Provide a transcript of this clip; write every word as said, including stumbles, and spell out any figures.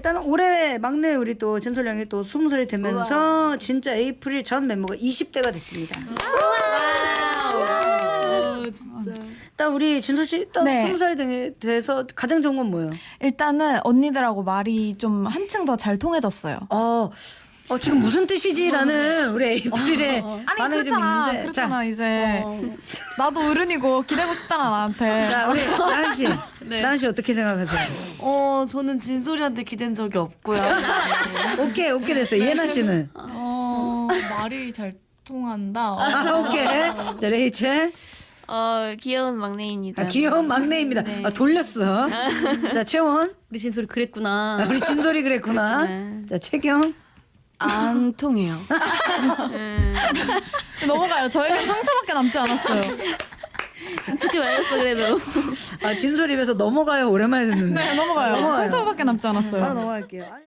일단 올해 막내 우리 또 진솔 양이 또 스무 살이 되면서 우와. 진짜 에이프릴 전 멤버가 이십 대가 됐습니다. 우와. 진짜. 일단 우리 진솔 씨 일단 네. 스무 살이 돼서 가장 좋은 건 뭐예요? 일단은 언니들하고 말이 좀 한층 더 잘 통해졌어요. 어, 어 지금 무슨 뜻이지라는 우리 에이프릴의 아니 반응이 좀 그렇잖아, 있는데. 그렇잖아 이제 나도 어른이고 기대고 싶잖아 나한테. 자, 자 우리 나은 씨, 네. 나은 씨 어떻게 생각하세요? 어, 저는 진솔이한테 기댄 적이 없고요. 오케이 오케이 됐어요. 예나 씨는? 어, 말이 잘 통한다. 아 오케이. 자 레이첼. 어, 귀여운 막내입니다. 아, 귀여운 막내입니다. 네. 아, 돌렸어. 자 채원. 우리 진솔이 그랬구나. 아, 우리 진솔이 그랬구나. 네. 자 채경. 안 통해요. 넘어가요. 저에게 상처밖에 남지 않았어요. 어떻게 말했어 그래도. 아 진솔 입에서 넘어가요 오랜만에 듣는데. 네 넘어가요. 넘어가요. 상처밖에 남지 않았어요. 바로 넘어갈게요.